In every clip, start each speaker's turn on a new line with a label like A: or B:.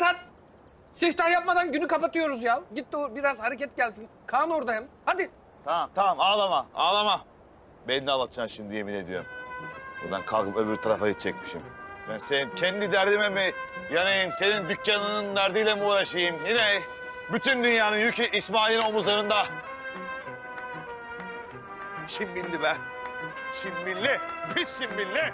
A: Saat siftah yapmadan günü kapatıyoruz ya. Git de biraz hareket gelsin. Kaan orada hem. Hadi.
B: Tamam ağlama. Beni de ağlatacaksın şimdi yemin ediyorum. Buradan kalkıp öbür tarafa gidecekmişim. Ben senin kendi derdime mi yanayım, senin dükkanının derdiyle mi uğraşayım? Yine bütün dünyanın yükü İsmail'in omuzlarında. Çimbilli be. Çimbilli. Pis çimbilli.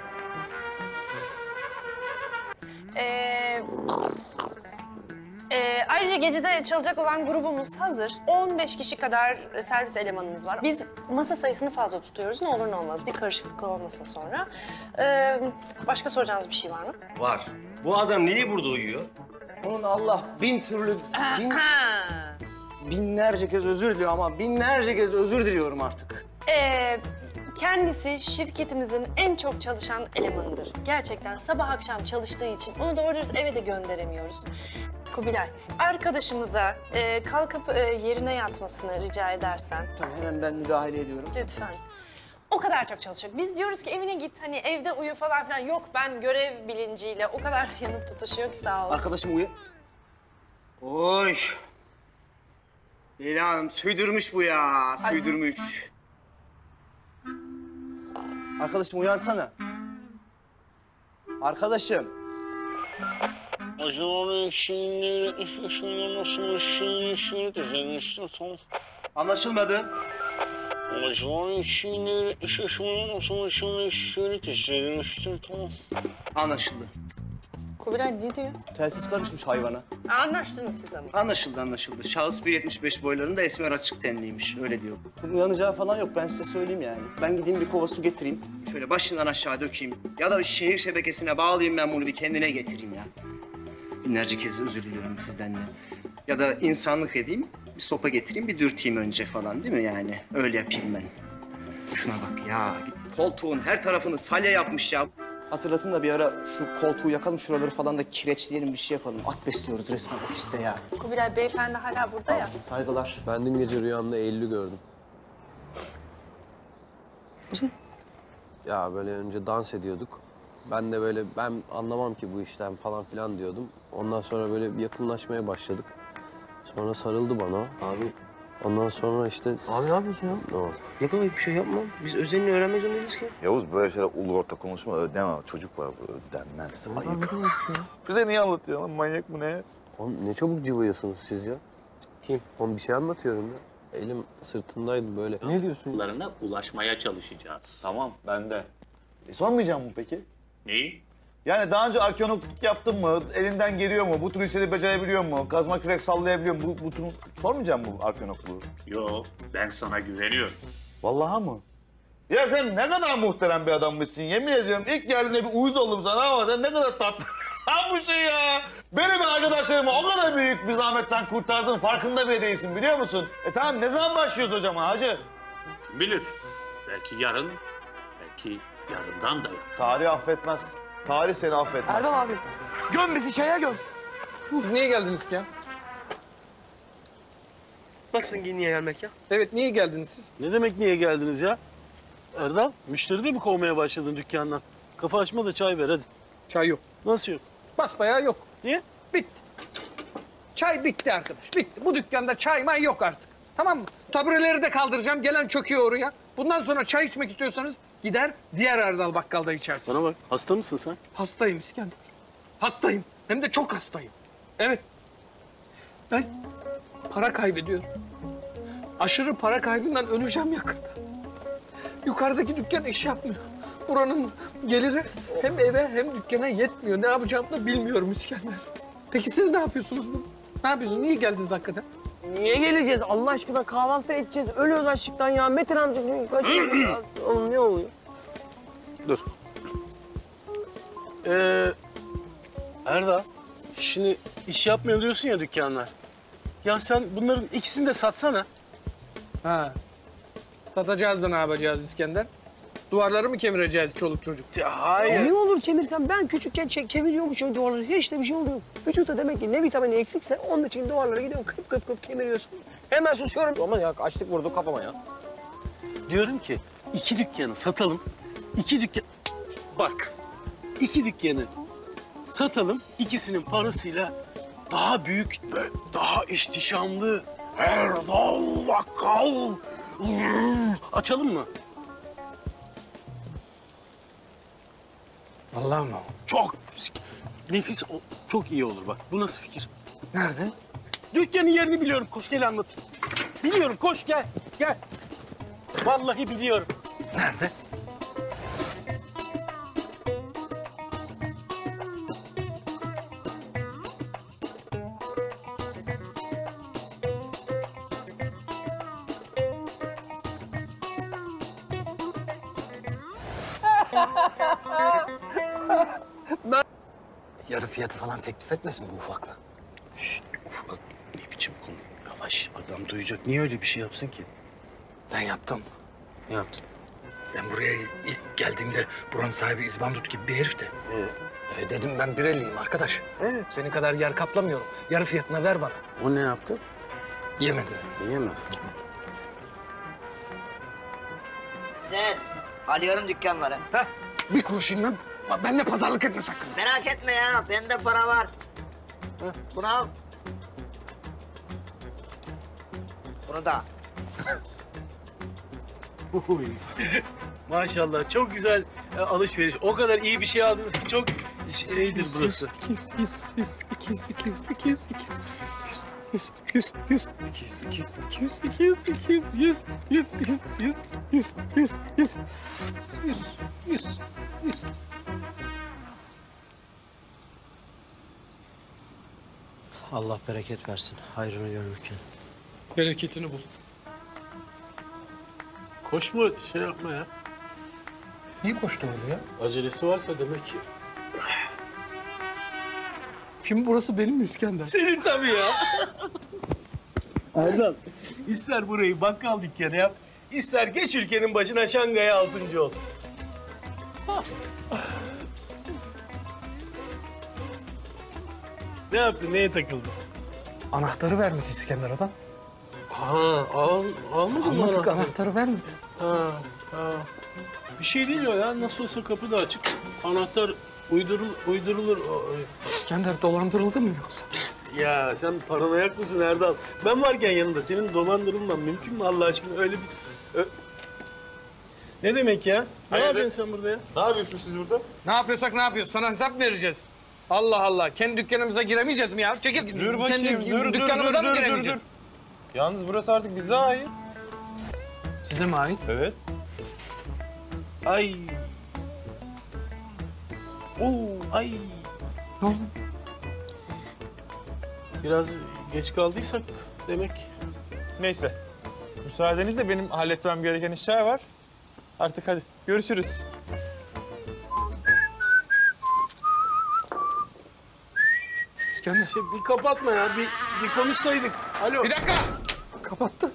C: Ayrıca gecede çalacak olan grubumuz hazır. 15 kişi kadar servis elemanımız var. Biz masa sayısını fazla tutuyoruz. Ne olur ne olmaz. Bir karışıklık olmasın sonra. Başka soracağınız bir şey var mı?
D: Var. Bu adam niye burada uyuyor?
E: Onun Allah bin türlü, binlerce kez özür diliyor ama binlerce kez özür diliyorum artık.
C: Kendisi şirketimizin en çok çalışan elemanıdır. Gerçekten sabah akşam çalıştığı için onu doğru dürüst eve de gönderemiyoruz. Kubilay, arkadaşımıza kalkıp yerine yatmasını rica edersen.
E: Tabii hemen ben müdahale ediyorum.
C: Lütfen. O kadar çok çalışacak. Biz diyoruz ki evine git, hani evde uyu falan filan. Yok, ben görev bilinciyle o kadar yanıp tutuşuyor ki sağ olsun.
E: Arkadaşım uyu. Oy. Leyla Hanım süydürmüş bu ya, süydürmüş. Arkadaşım uyansana. Arkadaşım. Anlaşılmadı. Anlaşıldı.
C: Kubilay ne diyor?
E: Telsiz karışmış hayvana.
C: Anlaştınız siz ama.
E: Anlaşıldı. Şahıs 1.75 boylarında esmer açık tenliymiş. Öyle diyor. Bunun uyanacağı falan yok. Ben size söyleyeyim yani. Ben gideyim bir kova su getireyim. Şöyle başından aşağı dökeyim. Ya da bir şehir şebekesine bağlayayım ben bunu bir kendine getireyim ya. Binlerce kez özür diliyorum sizden de. Ya da insanlık edeyim. Bir sopa getireyim, bir dürteyim önce falan değil mi yani? Öyle yapayım ben. Şuna bak ya. Koltuğun her tarafını salya yapmış ya. Hatırlatın da bir ara şu koltuğu yakalım, şuraları falan da kireçleyelim, bir şey yapalım. At besliyoruz resmen ofiste ya.
C: Kubilay beyefendi hala burada ya.
E: Saygılar.
F: Ben dün gece rüyamda Eylül'ü gördüm. Ya böyle önce dans ediyorduk. Ben de böyle ben anlamam ki bu işten falan filan diyordum. Ondan sonra böyle bir yakınlaşmaya başladık. Sonra sarıldı bana.
D: Abi.
F: Ondan sonra işte...
D: Abi ne yapıyorsun ya?
F: Ne oldu?
D: Yapma bir şey yapma. Biz özelini öğrenmek zorundayız ki.
B: Yavuz böyle şeyler ulu orta konuşma, ödeme. Çocuk var, ödenmez.
D: Ayıp.
B: Bize niye anlatıyorsun lan? Manyak mı ne?
F: Oğlum ne çabuk cıvıyorsunuz siz ya? Kim? Oğlum bir şey anlatıyorum ya. Elim sırtındaydı böyle.
D: Ne diyorsun?
G: Larına ulaşmaya çalışacağız.
B: Tamam, ben de. Sormayacağım mı peki?
G: Neyi?
B: Yani daha önce arkeologluk yaptın mı? Elinden geliyor mu? Bu tür işleri becerebiliyor mu? Kazma kürek sallayabiliyor mu? Bu tür... Sormayacağım mı arkeologluğu?
G: Yo, ben sana güveniyorum.
B: Vallahi mı? Ya sen ne kadar muhterem bir adammışsın. Yemin ediyorum ilk geldiğinde bir uyuz oldum sana ama sen ne kadar tatlı. Ha bu şey ya. Benim arkadaşlarımı o kadar büyük bir zahmetten kurtardın. Farkında bile değilsin biliyor musun? Tamam ne zaman başlıyoruz hocam hacı?
G: Kim bilir? Belki yarın, belki yarından da yok.
B: Tarih affetmez. Tarih seni affetmez.
A: Erdal abi. Göm bizi şeye göm. Siz niye geldiniz ki ya?
D: Nasıl niye gelmek ya?
A: Evet niye geldiniz siz?
H: Ne demek niye geldiniz ya? Erdal, müşteri de mi kovmaya başladın dükkandan? Kafa açma da çay ver hadi.
A: Çay yok.
H: Nasıl yok?
A: Basbayağı yok.
H: Niye?
A: Bitti. Çay bitti arkadaş. Bitti. Bu dükkanda çay may yok artık. Tamam mı? Tabureleri de kaldıracağım. Gelen çöküyor oraya. Bundan sonra çay içmek istiyorsanız gider diğer Erdal bakkalda içersiniz.
H: Bana bak, hasta mısın sen?
A: Hastayım İskender. Hastayım. Hem de çok hastayım. Evet. Ben para kaybediyorum. Aşırı para kaybından öleceğim yakında. Yukarıdaki dükkan iş yapmıyor. Buranın geliri hem eve hem dükkana yetmiyor. Ne yapacağımı da bilmiyorum İskender. Peki siz ne yapıyorsunuz? Ne yapıyorsunuz? Niye geldiniz hakikaten?
I: Niye geleceğiz? Allah aşkına kahvaltı edeceğiz. Ölüyoruz açlıktan ya. Metin amca kaçıyor. Oğlum ne oluyor?
H: Dur. Erdal, şimdi iş yapmıyor diyorsun ya dükkanlar. Ya sen bunların ikisini de satsana.
A: Ha. Satacağız da ne yapacağız İskender? Duvarları mı kemireceğiz çoluk çocuk?
H: Ya hayır.
I: Ne olur kemirsem ben küçükken kemiriyormuşum duvarları. Hiç de bir şey oluyor. Vücutta demek ki ne vitamini eksikse onun için duvarlara gidiyorum. Kıp kıp kıp kemiriyorsun. Hemen susuyorum. Aman ya açlık vurdu kafama ya.
H: Diyorum ki 2 dükkanı satalım. 2 dükkan... Bak, 2 dükkanı satalım. İkisinin parasıyla daha büyük, böyle daha ihtişamlı. Erdal Bakkal. Açalım mı?
A: Vallahi mı?
H: Çok nefis, çok iyi olur bak. Bu nasıl fikir?
A: Nerede?
H: Dükkanın yerini biliyorum. Koş gel anlatayım. Biliyorum, koş gel. Gel. Vallahi biliyorum.
A: Nerede? Yarı fiyatı falan teklif etmesin bu ufakla.
H: Ufak ne biçim konu? Yavaş, adam duyacak. Niye öyle bir şey yapsın ki?
A: Ben yaptım.
H: Ne yaptın?
A: Ben buraya ilk geldiğimde buranın sahibi İzbandut gibi bir herifti. Dedim ben Birelliyim arkadaş. Senin kadar yer kaplamıyorum. Yarı fiyatına ver bana.
H: O ne yaptı?
A: Yemedi.
H: Yiyemez.
J: Sen alıyorum dükkanları.
A: Bir kuruş inmem. Benimle pazarlık etme sakın.
J: Merak etme ya, bende para var. Bunu al. Bunu da.
H: Maşallah çok güzel alışveriş. O kadar iyi bir şey aldınız ki çok şeydir burası.
A: 100.
K: Allah bereket versin. Hayrını görürken.
A: Bereketini bul.
H: Koşma, şey yapma ya.
A: Niye koştu öyle ya?
H: Acelesi varsa demek ki.
A: Kim burası benim mi İskender?
H: Senin tabii ya. Erdal, ister burayı bakkal dükkanı yap, ister geç ülkenin başına Şangay'a 6. ol. Ne yaptın, neye takıldın?
A: Anahtarı vermedi İskender adam.
H: Almadın mı
A: Almadık,
H: anahtarı?
A: anahtarı vermedi.
H: Ha. Bir şey değil o ya, nasıl olsa kapı da açık. Anahtar uydurulur.
A: İskender dolandırıldın mı yoksa?
H: Ya sen paranoyak mısın Erdal? Ben varken yanında senin dolandırılman mümkün mü Allah aşkına? Öyle bir... Ne demek ya? Ne yapıyorsun sen burada ya?
B: Ne yapıyorsunuz siz burada?
A: Ne yapıyorsak ne yapıyoruz? Sana hesap mı vereceğiz? Allah Allah. Kendi dükkanımıza giremeyeceğiz mi ya? Çekil.
B: Dur bakayım,
A: Kendi dükkanımıza mı giremeyeceğiz?
B: Yalnız burası artık bize ait.
A: Size mi ait?
B: Evet.
H: Ay. Ay.
A: Ne oldu?
H: Biraz geç kaldıysak demek.
B: Neyse. Müsaadenizle benim halletmem gereken işler var. Artık hadi görüşürüz.
A: İskender.
H: Bir kapatma ya, bir konuşsaydık. Alo.
A: Bir dakika. Kapattı.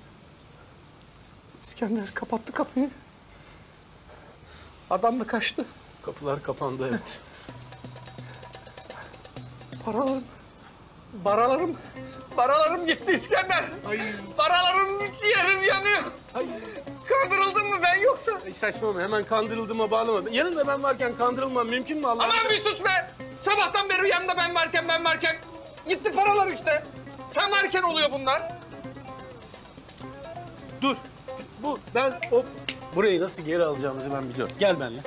A: İskender kapattı kapıyı. Adam da kaçtı.
H: Kapılar kapandı, evet.
A: Paralarım gitti İskender. Paralarım ciğerim yanıyor. Kandırıldın mı ben yoksa?
H: Ay saçmalama, hemen kandırıldığıma bağlama. Yanında ben varken kandırılmam mümkün mü Allah aşkına?
A: Aman bir sus be. Sabahtan beri yanımda ben varken. Gitti paralar işte. Sen varken oluyor bunlar.
H: Dur. Burayı nasıl geri alacağımızı ben biliyorum. Gel benimle.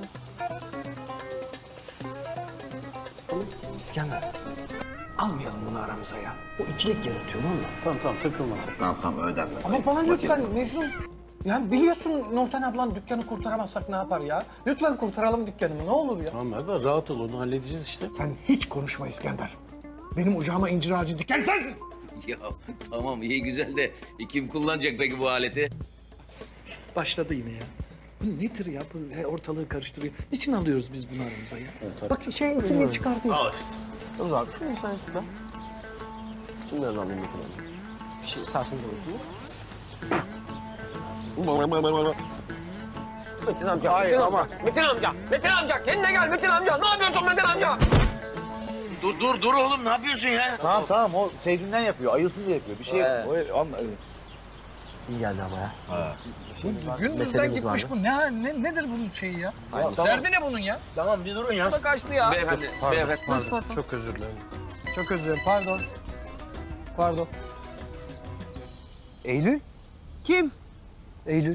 A: İskender. Almayalım bunu aramıza ya. O ikilik yaratıyor valla.
H: Tamam takılmasın.
B: Tamam ödenmez.
A: Ama bana lütfen Mecnun. Ya biliyorsun Nurten ablan dükkanı kurtaramazsak ne yapar ya? Lütfen kurtaralım dükkanımı ne olur ya.
H: Tamam Erdal, rahat ol, onu halledeceğiz işte.
A: Sen hiç konuşma İskender. Benim ocağıma incir ağacı diken sensin.
L: Ya tamam iyi güzel de kim kullanacak peki bu aleti?
A: Başladı yine ya. Bu nedir ya? Bu ortalığı karıştırıyor. Niçin alıyoruz biz bunu aramıza ya? Bak kimliği çıkartıyor.
H: Al işte.
F: Dur abi şunu sen şuradan. Şunu ver lan Metin abi. Bir şey sağ solda bakayım. Metin amca, Metin amca kendine gel Metin amca. Ne yapıyorsun Metin amca?
L: Dur oğlum ne yapıyorsun ya?
B: Tamam o sevdiğinden yapıyor. Ayılsın diye yapıyor. Bir şey
F: İyi geldi ama ya.
A: Gündüzden gitmiş bu. Nedir bunun şeyi ya? Derdi ne bunun ya?
L: Tamam bir durun ya.
A: Bu da kaçtı ya.
L: Beyefendi.
F: Çok özür dilerim.
I: Çok özür dilerim. Pardon. Pardon. Eylül? Kim? Eylül.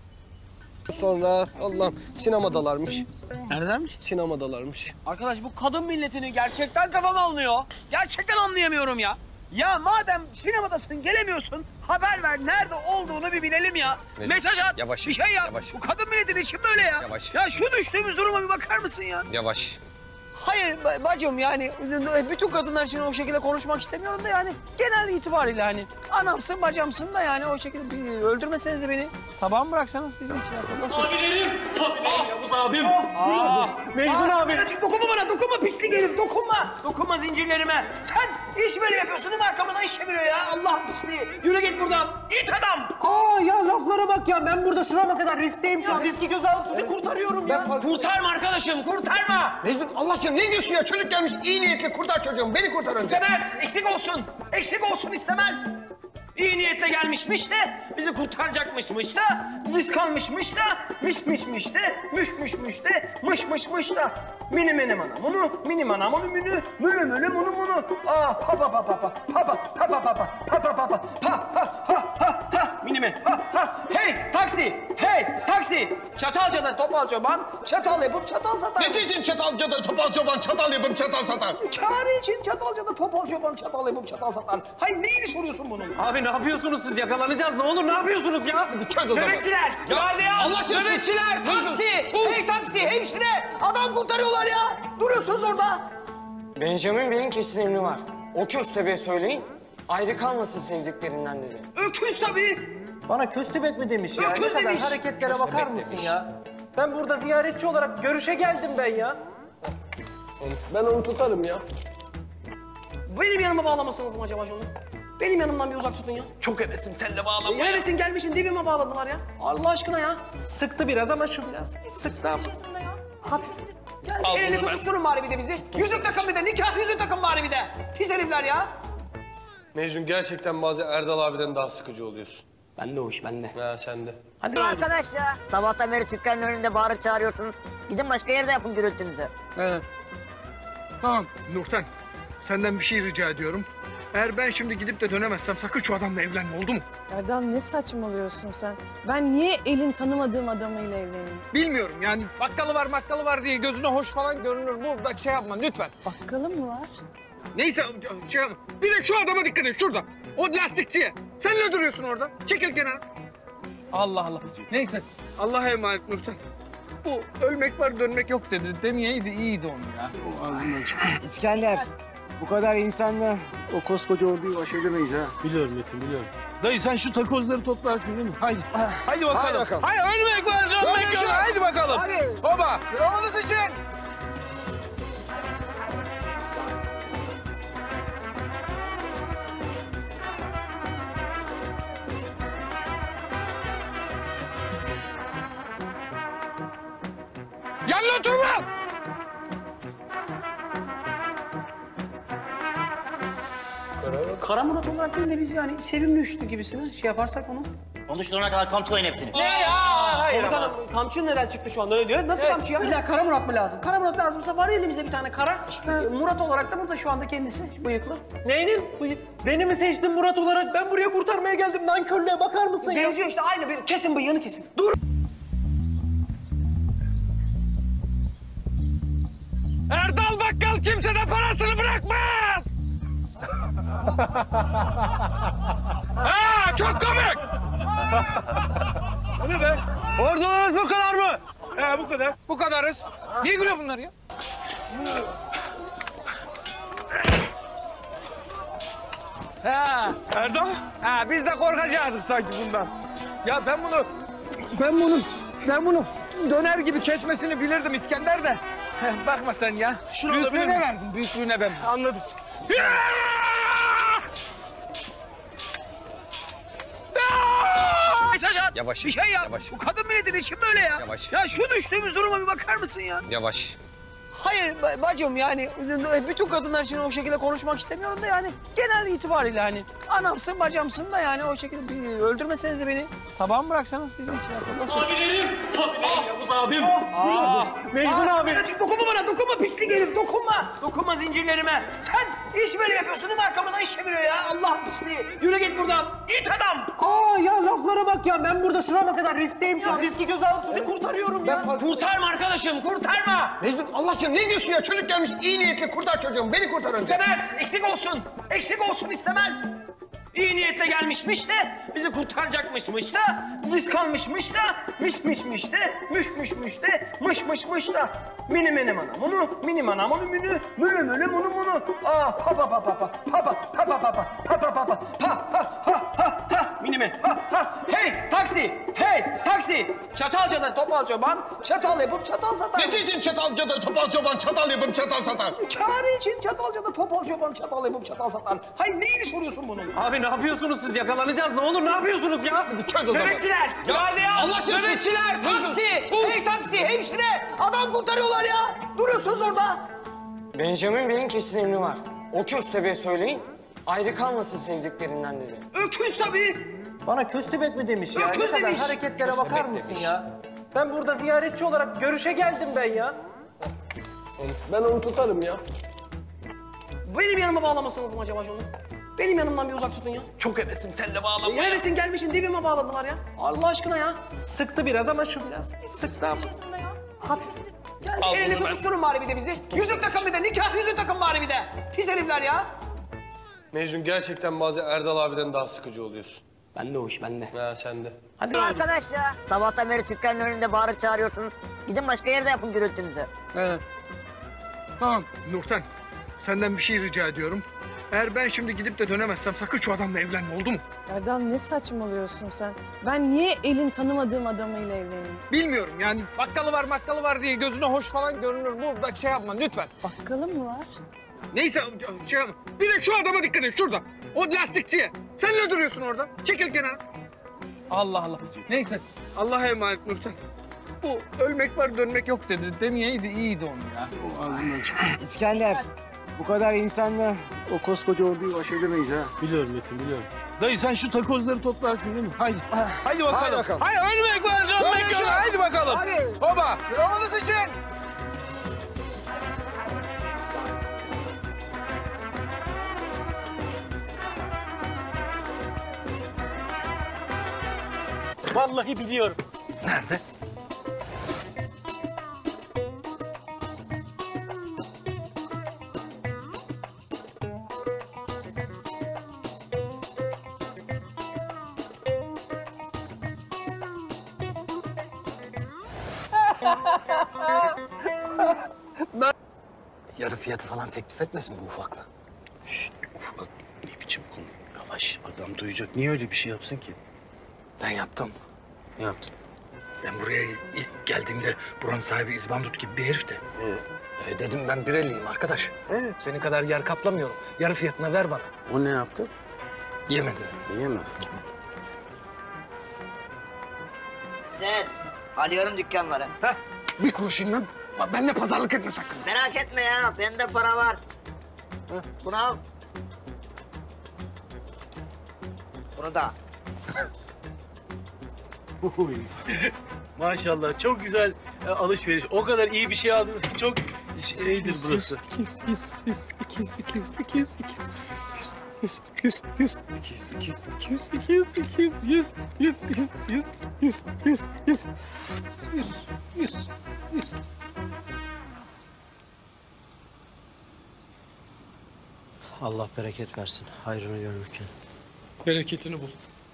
I: Sonra Allah'ım sinemadalarmış.
H: Neredenmiş?
I: Sinemadalarmış.
H: Arkadaş bu kadın milletini gerçekten kafam almıyor. Gerçekten anlayamıyorum ya. Ya madem sinemadasın gelemiyorsun haber ver nerede olduğunu bir bilelim ya.
F: Mecnun,
H: Mesaj at
F: yavaş,
H: bir şey yap.
F: yavaş.
H: Bu kadın milletinin için böyle ya.
F: Yavaş.
H: Ya şu düştüğümüz duruma bir bakar mısın ya?
F: Yavaş.
I: Hayır bacım yani bütün kadınlar için o şekilde konuşmak istemiyorum da yani genel itibariyle hani anamsın bacamsın da yani o şekilde öldürmeseniz de beni sabah mı bıraksanız bizi nasıl?
D: Abilerim Yavuz abim.
H: Mecnun abi. Dokunma bana dokunma pislik herif dokunma. Dokunma zincirlerime. Sen iş böyle yapıyorsun değil mi arkamızdan iş çeviriyor ya Allah pisliği. Yürü git buradan it adam.
I: Ya laflara bak ya ben burada şurama kadar riskteyim şu an. Riski göze alıp sizi kurtarıyorum ya.
H: Kurtarma arkadaşım kurtarma.
I: Mecnun Allah aşkına ne diyorsun ya? Çocuk gelmiş iyi niyetli kurtar çocuğumu. Beni kurtar önce.
H: İstemez. Eksik olsun. Eksik olsun istemez. İyi niyetle gelmişmiş de bizi kurtaracakmışmış da risk almışmış da mişmişmiş de müşmüşmüş de mışmışmış da mini mini mana bunu mini mana bunu münü mülü mülü bunu bunu aa pa pa pa pa pa pa pa pa pa pa pa pa pa pa pa ha ha ha ha mini mini ha ha hey taksi Çatalca'dan topal çoban çatal yapıp çatal satar.
I: Ne için Çatalca'da topal çoban çatal yapıp çatal satar?
H: Kârı için Çatalca'da topal çoban çatal yapıp çatal satar. Hayır neyini soruyorsun bunun?
I: Abi ne yapıyorsunuz siz? Yakalanacağız. Ne olur ne yapıyorsunuz ya? Dikkat o zaman.
H: Nöbetçiler, gardiyan,
I: Allah aşkına
H: nöbetçiler, taksi, hey taksi, hemşire. Adam kurtarıyorlar ya. Duruyorsunuz orada.
M: Benjamin Bey'in kesin emri var. O köstebeğe söyleyin, ayrı kalmasın sevdiklerinden dedi.
H: Öküz tabii.
I: Bana köstebek mi demiş ya?
H: Öküz
I: Ne kadar
H: demiş.
I: hareketlere bakar mısın ya? Ben burada ziyaretçi olarak görüşe geldim ben ya. Ben onu tutarım ya.
H: Benim yanıma bağlamasınız mı acaba onu? Benim yanımdan bir uzak tutun ya.
I: Çok hevesim seninle bağlanmaya.
H: Neresin gelmişsin dibime bağladılar ya. Allah aşkına ya.
I: Sıktı biraz ama şu biraz. Sıktı ama.
H: Hafif. Gel elini tutuşturun bari bir de bizi. Yüzük takın bir de, nikah yüzüğü takın bari bir de. Pis herifler ya.
F: Mecnun gerçekten bazen Erdal abiden daha sıkıcı oluyorsun.
H: Ben de o iş, ben de.
F: Ha sen de.
J: Hadi arkadaş ya. Sabahtan beri dükkanın önünde bağırıp çağırıyorsunuz. Gidin başka yerde yapın gürültünüzü.
A: Evet. Tamam Nurten, senden bir şey rica ediyorum. Eğer ben şimdi gidip de dönemezsem sakın şu adamla evlenme, oldu mu?
N: Erdal ne saçmalıyorsun sen? Ben niye elin tanımadığım adamıyla evleneyim?
A: Bilmiyorum yani bakkalı var diye gözüne hoş falan görünür. Bu bak şey yapma lütfen.
N: Bakkalı mı var?
A: Neyse şey yapma. Bir de şu adama dikkat et şurada. O lastikçiye. Sen ne duruyorsun orada? Çekil kenara. Allah Allah. Neyse Allah'a emanet Nurten. Bu ölmek var dönmek yok dedi. Demeyeydi iyiydi onu ya.
H: O ağzından çıktı.
I: İskender, bu kadar insanla o koskoca orduyu baş edemeyiz ha.
H: Biliyorum Metin, biliyorum. Dayı sen şu takozları toplarsın değil mi? Haydi. Haydi bakalım.
I: Haydi bakalım.
H: Haydi ölmek var, dönmek yok. Haydi bakalım.
I: Hadi.
H: Baba.
I: Kralınız için.
A: Yanına oturma!
H: Kara Murat olarak değil de biz yani sevimli üçlü gibisine şey yaparsak onu.
J: Konuşturana kadar kamçılayın hepsini.
H: Ne ya? Hayır komutanım, kamçı neden çıktı şu anda öyle diyor? Nasıl kamçı ya? İlla Kara Murat mı lazım? Kara Murat lazımsa var elimizde bir tane kara. Murat olarak da burada şu anda kendisi, şu bıyıklı.
I: Neyinin? Beni mi seçtin Murat olarak? Ben buraya kurtarmaya geldim. Nankörlüğe bakar mısın ya?
H: Benziyor işte aynı bir. Kesin bıyığını kesin. Dur!
A: Erdal Bakkal kimseden parasını bırakmaz! Ha, çok komik!
H: O ne be?
A: Ordunuz bu kadar mı?
H: Bu kadar.
A: Bu kadarız. Niye gülüyor bunlar ya? Ha,
H: Erdal?
A: ha biz de korkacaktık sanki bundan. Ya ben bunu döner gibi kesmesini bilirdim İskender de. Bakma sen ya.
H: Şunu alabilir
A: Büyüklüğüne
H: miyim?
A: verdim, büyüklüğüne ben.
H: Anladım. Mesaj at.
F: Yavaş.
H: Bir şey yap.
F: Yavaş.
H: Bu kadın milletinin için böyle ya.
F: Yavaş.
H: Ya şu düştüğümüz duruma bir bakar mısın ya?
F: Yavaş.
I: Hayır bacım yani bütün kadınlar için o şekilde konuşmak istemiyorum da yani genel itibariyle hani anamsın bacamsın da yani o şekilde öldürmeseniz de beni sabah mı bıraksanız bizi nasıl?
D: Abilerim Yavuz abim.
H: Mecnun abi. Dokunma bana, dokunma pislik herif, dokunma. Dokunma zincirlerime. Sen iş böyle yapıyorsun değil mi? Arkamızdan iş çeviriyor ya. Allah pisliği. Yürü git buradan. İt adam.
M: Ya laflara bak ya. Ben burada şurama kadar riskteyim şu an. Riski göze alıp sizi kurtarıyorum ya.
H: Kurtarma arkadaşım, kurtarma.
I: Mecnun Allah aşkına ne diyorsun ya? Çocuk gelmiş iyi niyetli kurtar çocuğum. Beni kurtar önce.
H: İstemez, eksik olsun. Eksik olsun istemez. İyi niyetle gelmişmiş de, bizi kurtaracakmışmış da, risk almışmış da, mişmişmiş de, müşmüşmüş de, mışmışmış da. Mini mini mana bunu, mini mana bunu münü, münü münü munu munu. Aa pa pa pa pa pa, pa pa pa pa pa pa, pa pa pa pa, pa ha ha ha ha, mini mini, ha ha. Hey taksi, hey taksi. Çatalca'dan topal çoban, çatal yapıp çatal satar.
A: Ne için Çatalca'da topal çoban çatal yapıp çatal satar?
H: Kârı için Çatalca'da topal çoban, çatal yapıp çatal satar. Hayır neyini soruyorsun bunun?
M: Abi ne yapıyorsunuz siz? Yakalanacağız. Ne olur ne yapıyorsunuz ya?
A: Çöz o zaman.
H: Nöbetçiler, gardiyan,
A: Allah aşkına
H: nöbetçiler, taksi, hey taksi, hemşire. Adam kurtarıyorlar ya. Duruyorsunuz orada.
M: Benjamin Bey'in kesin emri var. O köstebeğe söyleyin. Ayrı kalmasın sevdiklerinden dedi.
H: Öküz tabii.
M: Bana köstebek mi demiş ya?
H: Öküz
M: Ne kadar
H: demiş.
M: hareketlere bakar mısın ya? Ben burada ziyaretçi olarak görüşe geldim ben ya.
A: Ben onu tutarım ya.
H: Benim yanıma bağlamasanız mı acaba onu? Benim yanımdan bir uzak tutun ya.
A: Çok hevesim seninle bağlanmaya.
H: Neresin gelmişsin dibime bağladılar ya. Allah aşkına ya.
M: Sıktı biraz ama şu biraz. Sıktı ama. Hafif.
H: Gel
A: Al
H: elini
A: bunu ben.
H: tutuşturun bari bir de bizi. Yüzük takın bir de, nikah yüzüğü takın bari bir de. Pis herifler ya.
F: Mecnun gerçekten bazen Erdal abiden daha sıkıcı oluyorsun.
H: Bende o iş, bende.
F: Ha sen de.
J: Arkadaş ya. Sabahtan beri dükkanın önünde bağırıp çağırıyorsunuz. Gidin başka yerde yapın gürültünüzü.
A: Evet. Tamam Nurten. Senden bir şey rica ediyorum. Eğer ben şimdi gidip de dönemezsem sakın şu adamla evlenme, oldu mu?
N: Erdal ne saçmalıyorsun sen? Ben niye elin tanımadığım adamıyla evleneyim?
A: Bilmiyorum yani bakkalı var diye gözüne hoş falan görünür. Bu da şey yapma lütfen.
N: Bakkalı mı var?
A: Neyse şey yapma. Bir de şu adama dikkat et şurada. O lastikçiye. Sen ne duruyorsun orada? Çekil kenara. Allah Allah. Neyse Allah'a emanet Nurten. Bu ölmek var dönmek yok dedi. Demeyeydi iyiydi onu ya.
I: O ağzından çıktı. İskender, bu kadar insanla o koskoca orduyu baş edemeyiz ha.
D: Biliyorum Metin biliyorum.
A: Dayı sen şu takozları toplarsın değil mi? Haydi. Haydi bakalım.
I: Hadi bakalım.
A: Haydi ölmek var dönmek yok. Haydi bakalım.
I: Hadi.
A: Baba.
I: Kralınız için.
D: Vallahi biliyorum.
A: Nerede?
K: Yarı fiyatı falan teklif etmesin bu ufakla.
O: Ufak ne biçim konu? Yavaş, adam duyacak. Niye öyle bir şey yapsın ki?
K: Ben yaptım.
O: Ne yaptın?
K: Ben buraya ilk geldiğimde buranın sahibi İzbandut gibi bir herifti. Dedim ben Bireliyim arkadaş. Senin kadar yer kaplamıyorum. Yarı fiyatına ver bana.
O: O ne yaptı?
K: Yemedi.
O: Yiyemez.
J: Sen arıyorum dükkanları.
A: Heh, bir kuruş inmem. Benimle pazarlık etme sakın.
J: Merak etme ya, bende para var. Bunu al. Bunu da.
O: Maşallah çok güzel alışveriş. O kadar iyi bir şey aldınız ki çok şeydir burası.
A: 100.
K: Allah bereket versin. Hayrını görürken.
A: Bereketini bul.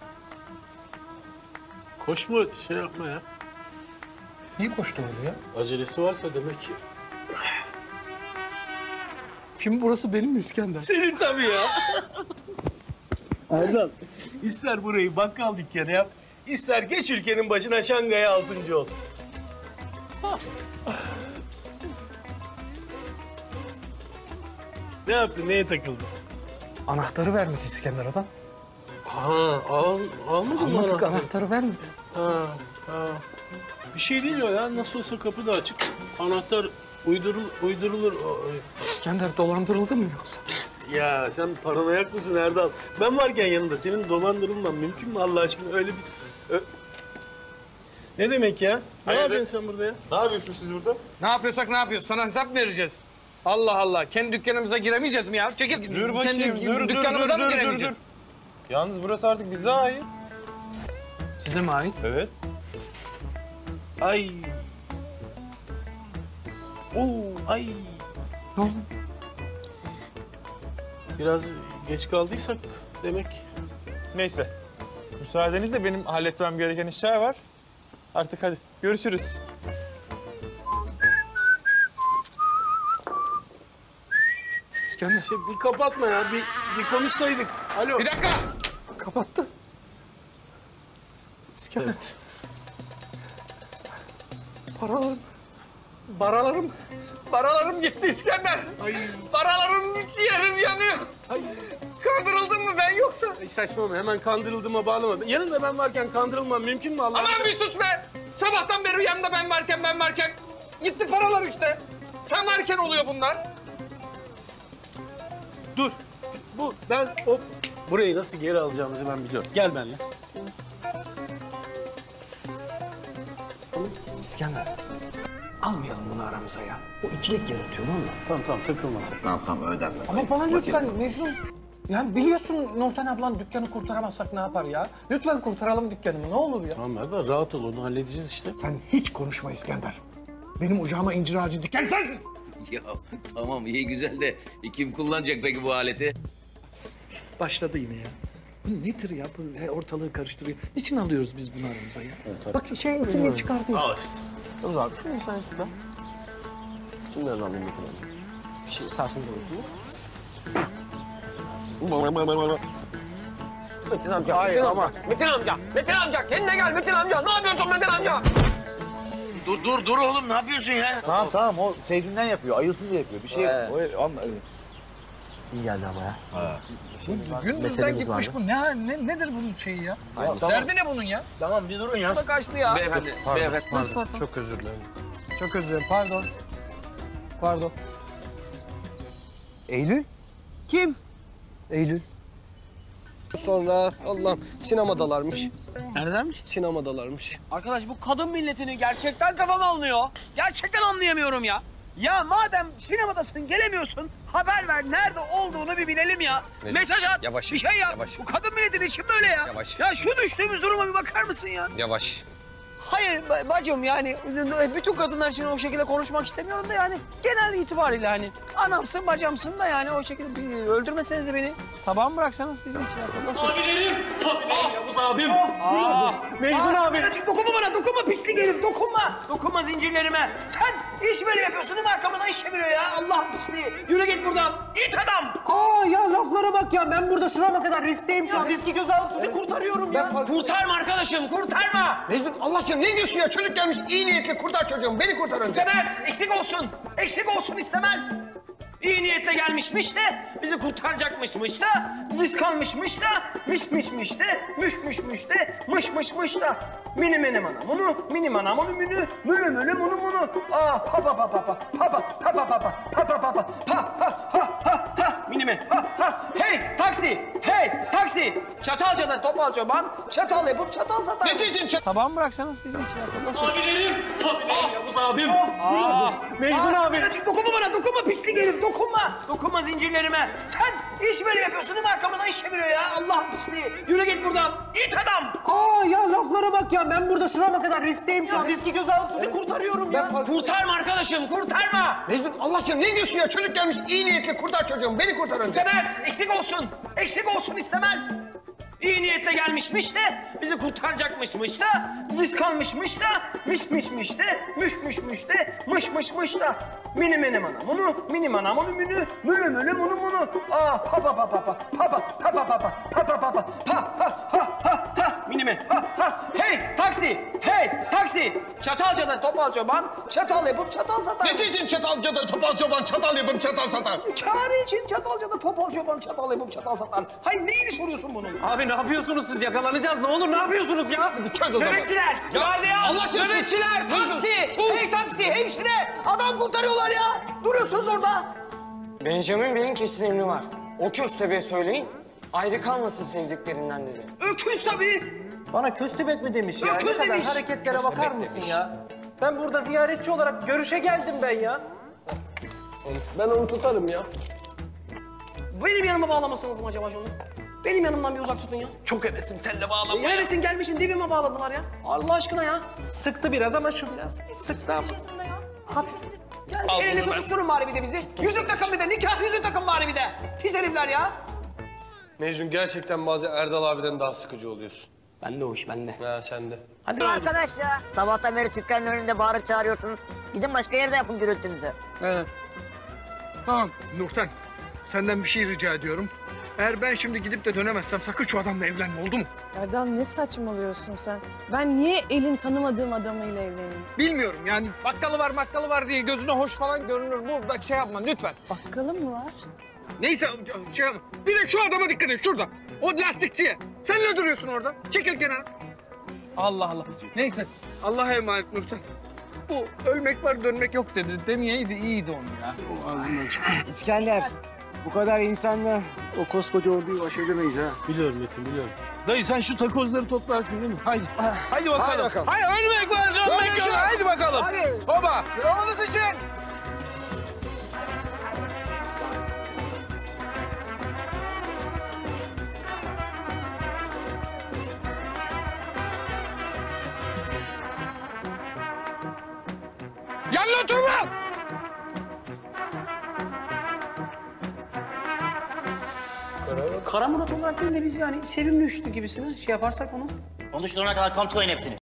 O: Koşma şey yapma ya.
A: Niye koştu öyle ya?
O: Acelesi varsa demek ki.
A: Şimdi burası benim mi İskender?
O: Senin tabii ya. Erdal, ister burayı bakkal dükkanı yap, ister geç ülkenin başına Şangay'a 6. ol. Ne yaptın, neye takıldın?
A: Anahtarı vermedi İskender adam.
O: Almadın mı
A: Almadık,
O: anahtarı?
A: anahtarı vermedi.
O: Ha. Bir şey değil o ya, nasıl olsa kapı da açık. Anahtar Uydurulur.
A: İskender dolandırıldı mı yoksa?
O: Ya sen paranoyak mısın Erdal? Ben varken yanında senin dolandırılman mümkün mü Allah aşkına? Öyle bir... Ne demek ya? Ne yapıyorsun sen burada ya?
B: Ne yapıyorsunuz siz burada?
A: Ne yapıyorsak ne yapıyoruz? Sana hesap mı vereceğiz? Allah Allah. Kendi dükkanımıza giremeyeceğiz mi ya? Çekil.
B: Dur bakayım.
A: Kendi dükkanımıza mı giremeyeceğiz?
B: Yalnız burası artık bize ait.
A: Size mi ait?
B: Evet.
O: Ay. Ay.
A: Ne oldu?
O: Biraz geç kaldıysak demek.
B: Neyse. Müsaadenizle benim halletmem gereken işler var. Artık hadi görüşürüz.
A: İskender.
O: Bir kapatma ya. Bir konuşsaydık. Alo.
A: Bir dakika. Kapattı. İskender.
O: Evet.
A: Paralarım gitti İskender. Paralarım ciğerim yanıyor. Kandırıldın mı ben yoksa?
O: Ay saçmalama, hemen kandırıldığıma bağlama. Yanında ben varken kandırılmam mümkün mü Allah?
A: Aman bir sus be! Sabahtan beri yanımda ben varken. Gitti paralar işte. Sen varken oluyor bunlar.
O: Dur. Burayı nasıl geri alacağımızı ben biliyorum. Gel benimle.
K: İskender. Almayalım bunu aramıza ya. O ikilik yaratıyor valla.
O: Tamam takılmasın.
L: Tamam ödenmez.
K: Ama bana lütfen Mecnun. Yani biliyorsun Nurten ablan dükkanı kurtaramazsak ne yapar ya? Lütfen kurtaralım dükkanımı ne olur ya.
O: Tamam Erdal rahat ol onu halledeceğiz işte.
K: Sen hiç konuşma İskender. Benim ocağıma incir ağacı diken sensin.
L: Ya tamam iyi güzel de kim kullanacak peki bu aleti?
K: Başladı yine ya. Bu nedir ya? Bu ortalığı karıştırıyor. Niçin alıyoruz biz bunu aramıza ya? Bak kimliği çıkartıyor.
B: Al işte.
F: Dur abi şunu sen şuradan. Şunu da alayım Metin abi. Bir şey sarsın da bakayım.
I: Metin amca, Metin amca kendine gel Metin amca. Ne yapıyorsun Metin amca?
L: Dur oğlum ne yapıyorsun ya?
B: Tamam o sevdiğinden yapıyor. Ayılsın diye yapıyor. Bir şey yok.
F: İyi geldi ama ya.
K: Gündüzden gitmiş bu. Nedir bunun şeyi ya? Derdi ne bunun ya?
O: Tamam bir durun ya.
K: Bu da kaçtı ya.
L: Beyefendi.
K: Pardon.
F: Çok özür dilerim.
K: Çok özür dilerim. Pardon.
I: Eylül? Kim?
F: Eylül. Sonra Allah'ım sinemadalarmış.
I: Neredenmiş?
F: Sinemadalarmış.
I: Arkadaş bu kadın milletini gerçekten kafam almıyor. Gerçekten anlayamıyorum ya. Ya madem sinemadasın gelemiyorsun haber ver nerede olduğunu bir bilelim ya.
F: Mecnun,
I: Mesaj at
F: yavaş,
I: bir şey yap.
F: yavaş.
I: Bu kadın milletinin için böyle ya.
F: Yavaş.
I: Ya şu düştüğümüz duruma bir bakar mısın ya?
F: Yavaş.
I: Hayır bacım yani bütün kadınlar için o şekilde konuşmak istemiyorum da yani genel itibariyle hani anamsın bacamsın da yani o şekilde öldürmeseniz de beni sabah mı bıraksanız bizim için nasıl?
O: Abilerim Yavuz abim. Mecnun abi.
I: Dokunma bana dokunma pislik herif dokunma. Dokunma zincirlerime. Sen iş böyle yapıyorsun değil mi arkamızdan iş çeviriyor ya Allah'ın pisliği. Yürü git buradan it adam.
M: Ya laflara bak ya. Ben burada şurama kadar riskteyim şu an. Riski göze alıp sizi kurtarıyorum ya.
I: Kurtarma arkadaşım kurtarma.
K: Mecnun Allah aşkına ne diyorsun ya? Çocuk gelmiş iyi niyetli kurtar çocuğumu. Beni kurtar önce.
I: İstemez eksik olsun. Eksik olsun istemez. İyi niyetle gelmişmiş de bizi kurtaracakmışmış da risk almışmış da mişmişmiş de müşmüşmüş de mışmışmış da mini mini mana bunu mini mana bunu münü münü münü bunu bunu pa pa pa pa pa pa pa pa pa pa pa pa pa pa mini mini hey taksi Çatalca'dan topal çoban çatal yapıp çatal satar.
K: Ne için?
I: Sabah mı bıraksanız bizim için nasıl?
O: Abilerim Yavuz abim. Mecnun abi.
I: Dokunma bana dokunma pislik herif dokunma. Dokunma zincirlerime. Sen iş böyle yapıyorsun değil mi arkamızdan iş çeviriyor ya Allah'ın pisliği. Yürü git buradan it adam.
M: Ya laflara bak ya. Ben burada şurama kadar riskteyim şu an. Riski göze alıp sizi kurtarıyorum ya.
I: Kurtarma arkadaşım kurtarma.
K: Mecnun Allah aşkına ne diyorsun ya? Çocuk gelmiş iyi niyetli kurtar çocuğumu. Beni kurtar önce.
I: İstemez eksik olsun istemez. İyi niyetle gelmişmiş de bizi kurtaracakmışmış da risk almışmış da mişmişmiş de müşmüşmüş de mışmışmış da mini mini mana bunu mini mana bunu münü münü münü bunu bunu pa pa pa pa pa pa pa pa pa pa pa pa pa pa pa
H: Minimen. Hey taksi. Hey taksi. Çatalca'da topal çoban çatal yapıp çatal satar.
A: Ne için Çatalca'da topal çoban çatal yapıp çatal satar?
H: Kârı için Çatalca'da topal çoban çatal yapıp çatal satar. Hayır neyini soruyorsun bunun?
D: Abi ne yapıyorsunuz siz? Yakalanacağız. Ne olur ne yapıyorsunuz ya?
A: Çöz o zaman.
H: Nöbetçiler!
A: Ya,
H: Gardiyan!
A: Allah aşkına sus.
H: Nöbetçiler! Taksi!
A: Sus.
H: Hey taksi! Hemşire! Adam kurtarıyorlar ya! Duruyorsunuz orada!
M: Benjamin Bey'in kesin emri var. O köstebeğe söyleyin, ayrı kalmasın sevdiklerinden dedi.
H: Öküz tabii!
D: Bana köstebek mi demiş ya?
H: Öküz
D: Ne kadar
H: demiş.
D: hareketlere bakar mısın ya? Ben burada ziyaretçi olarak görüşe geldim ben ya. Ben onu tutarım ya.
H: Benim yanıma bağlamasınız mı acaba onu? Benim yanımdan bir uzak tutun ya.
D: Çok hevesim seninle bağlanmaya.
H: Neresin gelmişsin dibime bağladılar ya. Allah aşkına ya.
D: Sıktı biraz ama şu biraz. Bir sıktı ama. Hafif.
H: Gel
D: Al
H: elini
D: bunu ben.
H: tutuşturun bari bir de bizi. Yüzük takın bir de nikah yüzüğü takın bari bir de. Pis herifler ya.
F: Mecnun gerçekten bazen Erdal abiden daha sıkıcı oluyorsun.
H: Bende o iş bende.
F: Ha sen de.
H: Hadi
J: Arkadaş ya, sabahtan beri dükkanın önünde bağırıp çağırıyorsunuz. Gidin başka yerde yapın gürültünüzü.
A: Evet. Tamam Nurten, senden bir şey rica ediyorum. Eğer ben şimdi gidip de dönemezsem sakın şu adamla evlenme, oldu mu?
N: Erdal ne saçmalıyorsun sen? Ben niye elin tanımadığım adamıyla evleneyim?
A: Bilmiyorum yani bakkalı var diye gözüne hoş falan görünür. Bu bak şey yapma lütfen.
N: Bakkalı mı var?
A: Neyse şey yapma. Bir de şu adama dikkat et şurada. O lastikçiye. Sen ne duruyorsun orada? Çekil kenara. Allah Allah. Neyse Allah'a emanet Nurten. Bu ölmek var dönmek yok dedi. Demeyeydi iyiydi onu ya.
I: O ağzından çıktı. İskender, bu kadar insanla o koskoca orduyu baş edemeyiz ha.
O: Biliyorum Metin biliyorum. Dayı sen şu takozları toplarsın değil mi? Haydi. Haydi bakalım.
I: Hadi bakalım.
A: Hayır ölmek var dönmek yok. Haydi bakalım.
I: Hadi.
A: Baba.
I: Kralınız için.
A: Yanına oturma.
H: Kara Murat olarak değil de biz yani sevimli üçlü gibisine şey yaparsak onu.
L: Konuşturana kadar kamçılayın hepsini.